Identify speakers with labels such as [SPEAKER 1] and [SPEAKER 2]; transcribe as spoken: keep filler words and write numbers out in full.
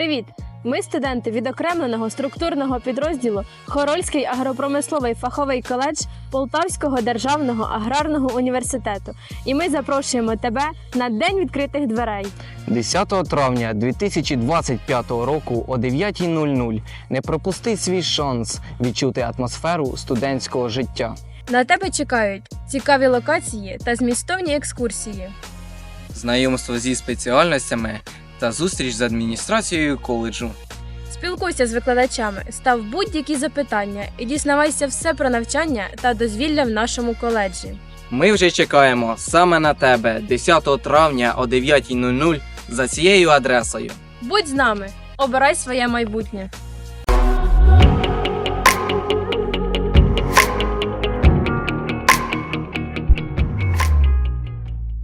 [SPEAKER 1] Привіт! Ми студенти відокремленого структурного підрозділу Хорольський агропромисловий фаховий коледж Полтавського державного аграрного університету. І ми запрошуємо тебе на День відкритих дверей.
[SPEAKER 2] десятого травня дві тисячі двадцять п'ятого року о дев'ятій нуль нуль не пропусти свій шанс відчути атмосферу студентського життя.
[SPEAKER 1] На тебе чекають цікаві локації та змістовні екскурсії.
[SPEAKER 3] Знайомство зі спеціальностями та зустріч з адміністрацією коледжу.
[SPEAKER 1] Спілкуйся з викладачами, став будь-які запитання і дізнавайся все про навчання та дозвілля в нашому коледжі.
[SPEAKER 3] Ми вже чекаємо саме на тебе десятого травня о дев'ятій нуль нуль за цією адресою.
[SPEAKER 1] Будь з нами, обирай своє майбутнє.